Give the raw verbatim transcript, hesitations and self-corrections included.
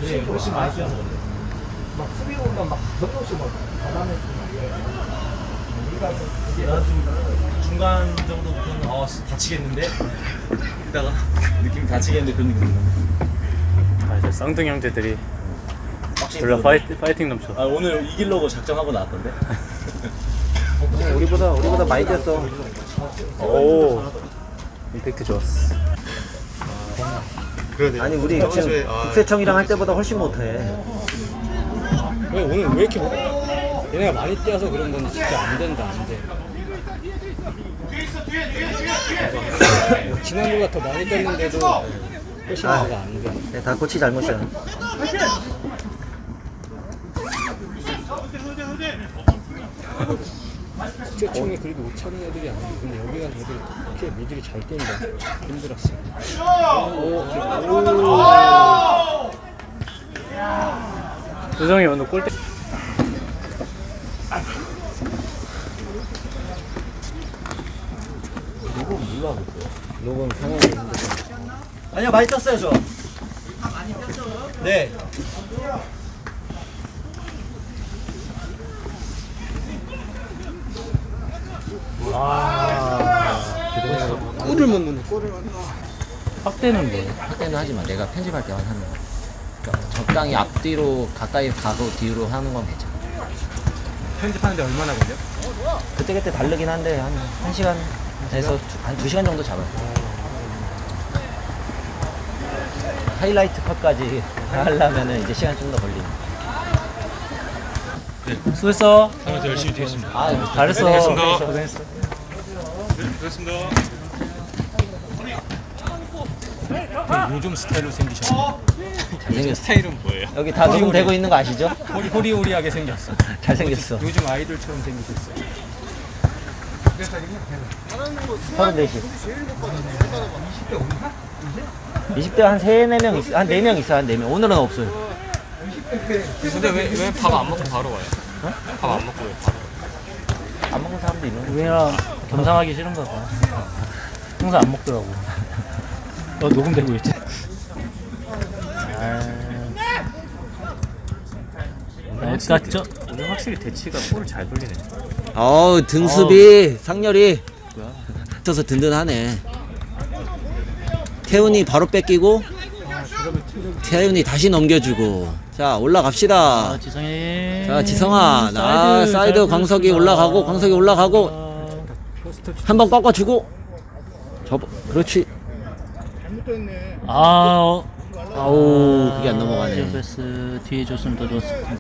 그래, 훨씬 많이 뛰어서 그래. 막 수비로 오면 막 전도시 막 가담했구나. 우리가 이게 나좀 중간 정도부터는 어 다치겠는데 이따가 느낌 다치겠는데 그런 느낌 든다. 아, 이제 쌍둥이 형제들이 확실히 졸라 그러네. 파이팅, 파이팅 넘쳐. 아 오늘 이기려고 작정하고 나왔던데. 우리보다 우리보다 많이 뛰었어. 오, 임팩트 좋았어. 그러네. 아니 우리 지금 국세청이랑 할 때보다 훨씬 못해. 왜 오늘 왜 이렇게 못... 얘네가 많이 뛰어서 그런 건지 진짜 안 된다 안 돼. 지난주가 더 많이 뛰었는데도 훨씬 아. 뭐가 안 돼. 네, 다 코치 잘못이야. 국세청이 그래도 못 차는 애들이 아니야. 근데 여기가 애들 이렇게 미들이 잘 뛴다. 힘들었어. 우정이 오늘 골대. 녹음 상황이 힘들어. 아니요 많이 떴어요 저. 네. 꿀을 못 넣는 꿀을 못 넣어. 확대는 뭐예요? 확대는 하지 마. 내가 편집할 때만 하는 거. 그러니까 적당히 앞뒤로 가까이 가고 뒤로 하는 건 괜찮아. 편집하는데 얼마나 걸려? 그때그때 다르긴 한데 한, 한 시간에서 한 두 시간 정도 잡아요. 하이라이트 컷까지 다 하려면은 이제 시간 좀 더 걸리네. 수고했어. 다음에 열심히 뛰겠습니다. 아, 잘했어. 고생했습니다. 고생했어. 됐습니다. 요즘 스타일로 생기셨네. 잘생겼어. 스타일은 뭐예요? 여기 다 녹음되고 있는 거 아시죠? 호리, 호리호리하게 생겼어. 잘생겼어. 요즘 아이돌처럼 생기셨어요. 서른네 시. 이십 대 한 세, 네 명 있어. 한 네 명 있어. 한 네 명. 오늘은 없어요. 근데 왜 왜 밥 안 먹고 바로 와요? 밥 안 먹고 왜 바로? 안 먹는 사람도 있는 거. 우리랑 겸상하기 싫은가 봐. 항상 안 먹더라고. 너 녹음되고 있지? 어디 갔죠? 오늘 확실히 대치가 볼을 잘 돌리네. 어우, 등수비, 상렬이. 붙어서 든든하네. 태훈이 바로 뺏기고, 태훈이 다시 넘겨주고. 자, 올라갑시다. 아, 지성이. 자, 지성아. 나 사이드 잘 광석이 보였습니다. 올라가고, 광석이 올라가고. 아, 한 번 꺾어주고. 접어. 그렇지. 아, 어. 아우, 그게 안 넘어가네. 패스 뒤에 줬으면 더 좋았을 텐데.